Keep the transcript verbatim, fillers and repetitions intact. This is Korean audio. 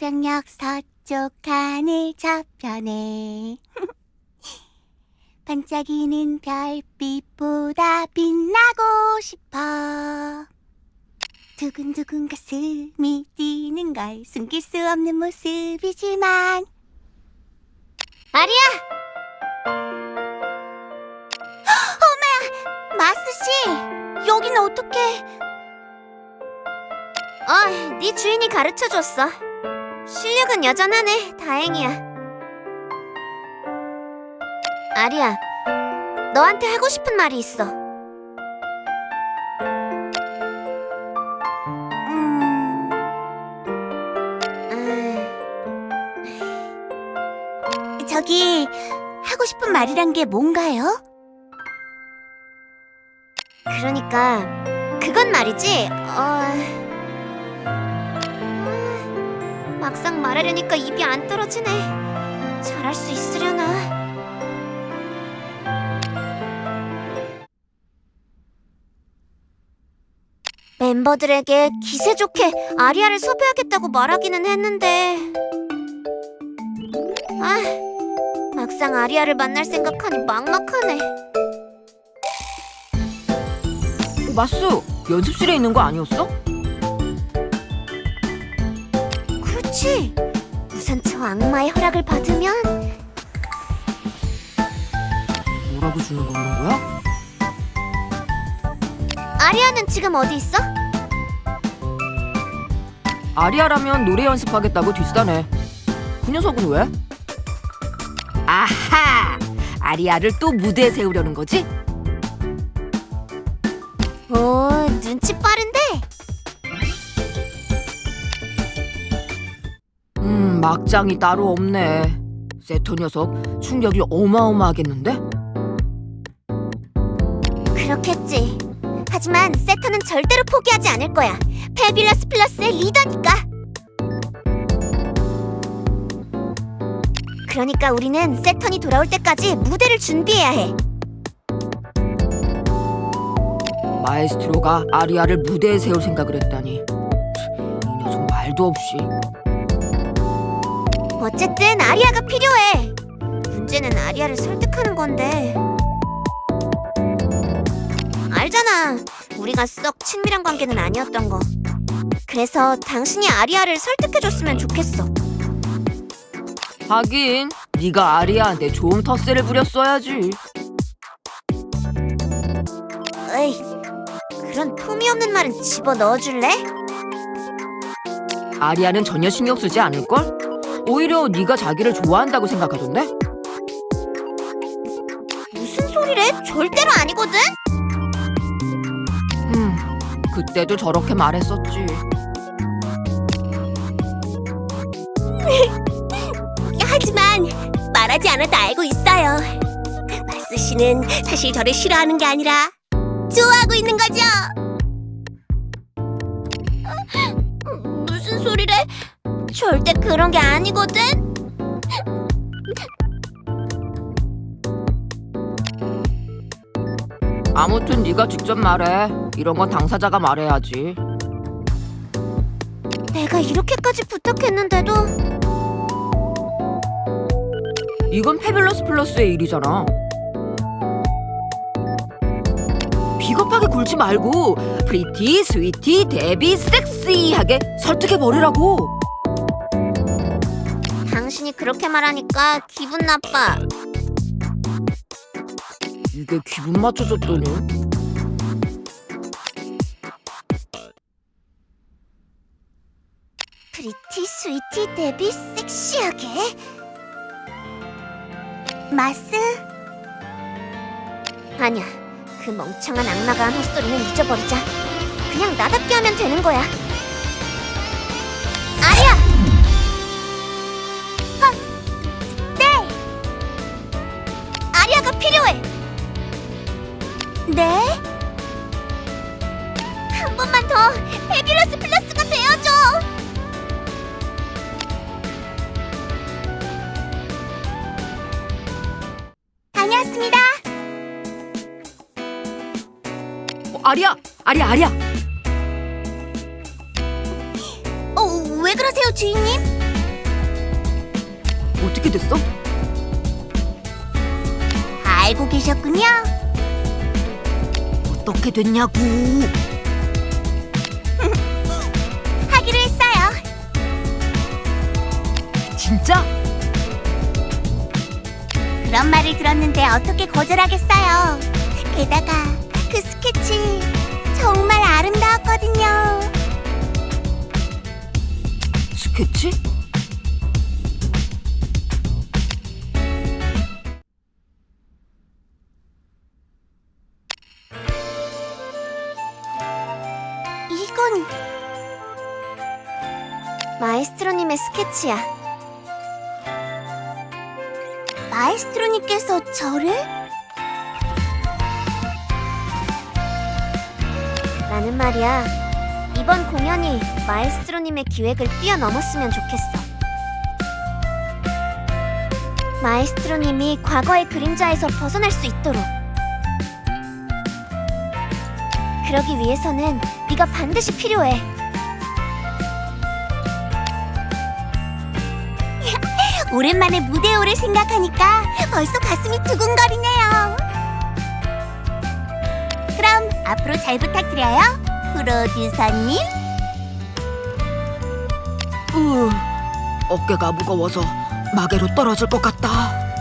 태평양 서쪽 하늘 저편에 반짝이는 별빛보다 빛나고 싶어. 두근두근 가슴이 뛰는 걸 숨길 수 없는 모습이지만. 아리야! 어메! 마스씨! 여긴 어떡해? 어, 네 주인이 가르쳐줬어. 실력은 여전하네. 다행이야. 아리야, 너한테 하고 싶은 말이 있어. 음... 음... 저기, 하고 싶은 말이란 게 뭔가요? 그러니까 그건 말이지. 어... 음, 막상 말하려니까 입이 안 떨어지네. 잘할 수 있으려나? 멤버들에게 기세 좋게 아리아를 섭외하겠다고 말하기는 했는데, 아, 막상 아리아를 만날 생각하니 막막하네. 마수, 연습실에 있는 거 아니었어? 그렇지. 우선 저 악마의 허락을 받으면. 뭐라고 주는 거 그런 거야? 아리아는 지금 어디 있어? 아리아라면 노래 연습하겠다고 뒷사네. 그 녀석은 왜? 아하! 아리아를 또 무대에 세우려는 거지? 오, 눈치 빠른데? 음, 막장이 따로 없네. 세터 녀석 충격이 어마어마하겠는데? 그렇겠지. 하지만 세터는 절대로 포기하지 않을 거야. 패뷸러스 플러스의 리더니까. 그러니까 우리는 세턴이 돌아올 때까지 무대를 준비해야 해. 마에스트로가 아리아를 무대에 세울 생각을 했다니. 이 녀석 말도 없이. 어쨌든 아리아가 필요해. 문제는 아리아를 설득하는 건데. 알잖아. 우리가 썩 친밀한 관계는 아니었던 거. 그래서 당신이 아리아를 설득해줬으면 좋겠어. 하긴 네가 아리아한테 좋은 텃세를 부렸어야지. 에이, 그런 품위 없는 말은 집어넣어줄래? 아리아는 전혀 신경 쓰지 않을걸? 오히려 네가 자기를 좋아한다고 생각하던데? 무슨 소리래? 절대로 아니거든? 음, 그때도 저렇게 말했었지. 하지만 말하지 않아도 알고 있어요. 마스 씨는 사실 저를 싫어하는 게 아니라 좋아하고 있는 거죠. 무슨 소리래? 절대 그런 게 아니거든? 아무튼 네가 직접 말해. 이런 건 당사자가 말해야지. 내가 이렇게까지 부탁했는데도. 이건 패뷸러스 플러스의 일이잖아. 비겁하게 굴지 말고 프리티, 스위티, 데비, 섹시하게 설득해버리라고. 당신이 그렇게 말하니까 기분 나빠. 이게 기분 맞춰줬더니. 프리티, 스위티, 데비, 섹시하게? 마스? 아니야. 그 멍청한 악마가 한 헛소리는 잊어버리자. 그냥 나답게 하면 되는 거야. 아리야! 아, 네! 아리아가 필요해! 네? 한 번만 더 패뷸러스 플러스가 되어줘! 다녀왔습니다. 어, 아리아! 아리아, 아리아! 어, 왜 그러세요, 주인님? 어떻게 됐어? 알고 계셨군요. 어떻게 됐냐고. 하기로 했어요. 진짜? 그런 말을 들었는데 어떻게 거절하겠어요. 게다가 그 스케치 정말 아름다웠거든요. 스케치? 이건 마에스트로님의 스케치야. 마에스트로님께서 저를? 나는 말이야, 이번 공연이 마에스트로님의 기획을 뛰어넘었으면 좋겠어. 마에스트로님이 과거의 그림자에서 벗어날 수 있도록. 그러기 위해서는 네가 반드시 필요해. 오랜만에 무대에 오를 생각하니까 벌써 가슴이 두근거리네요. 그럼 앞으로 잘 부탁드려요, 프로듀서님. 으, 어깨가 무거워서 마개로 떨어질 것 같다.